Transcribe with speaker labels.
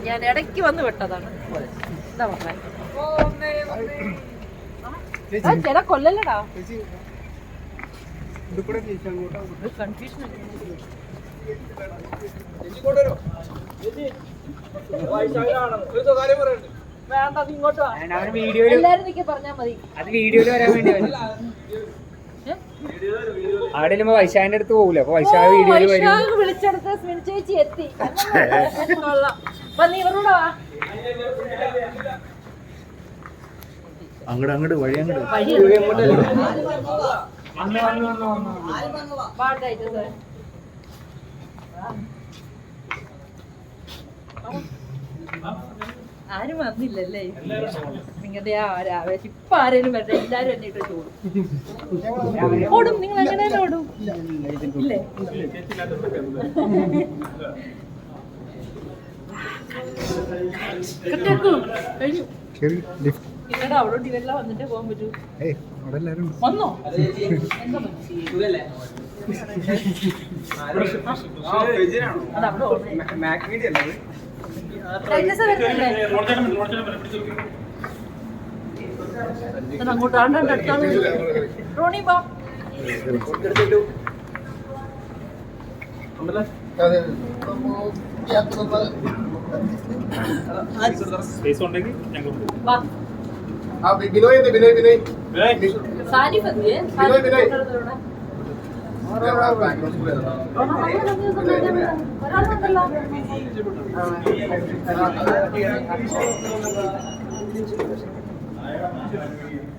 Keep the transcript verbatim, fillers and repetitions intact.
Speaker 1: ഞാൻ ഇടയ്ക്ക് വന്ന് വിട്ടതാണ്. എന്താ പറഞ്ഞ ചില കൊല്ലല്ലടാ കൺഫ്യൂഷൻ. വേണ്ട ഇങ്ങോട്ട് എല്ലാരും നിൽക്കി പറഞ്ഞാ മതി.
Speaker 2: അത് വീഡിയോയിൽ വരാൻ വേണ്ടി അവിടെ വൈശാഖിന്റെ അടുത്ത് പോകൂല. അപ്പൊ വൈശാഖ് വീഡിയോയിൽ വരും.
Speaker 1: വിളിച്ചെടുത്ത് സ്മിൻ ചേച്ചി എത്തി. നീ ഇവരോടാ
Speaker 3: അങ്ങോട്ട് അങ്ങോട്ട് വഴി അങ്ങോട്ട്
Speaker 1: ആരും വന്നില്ലല്ലേ നിങ്ങളുടെ ആ ഒരാവേശം. ഇപ്പൊ ആരേലും വരട്ടെ, എല്ലാരും എന്നെ ഇട്ട് ഓടും. ഓടും നിങ്ങൾ അങ്ങനെ തന്നെ ഓടും ഇല്ലേ? കഴിഞ്ഞു നിങ്ങളുടെ അവിടെ ഇവരെല്ലാം വന്നിട്ടേ പോകാൻ പറ്റൂ. വന്നോ എന്താ അങ്ങോട്ട് ആണ്ടാണ്ട് അടുത്താണ് റോണി ബാ.
Speaker 3: ബിനോയ് ബിനോയ് ബിനോയ്
Speaker 1: സാരി പതിയെ
Speaker 3: ബിനോയ് ബിനോയ്
Speaker 1: ഒരാളുണ്ടല്ലോ.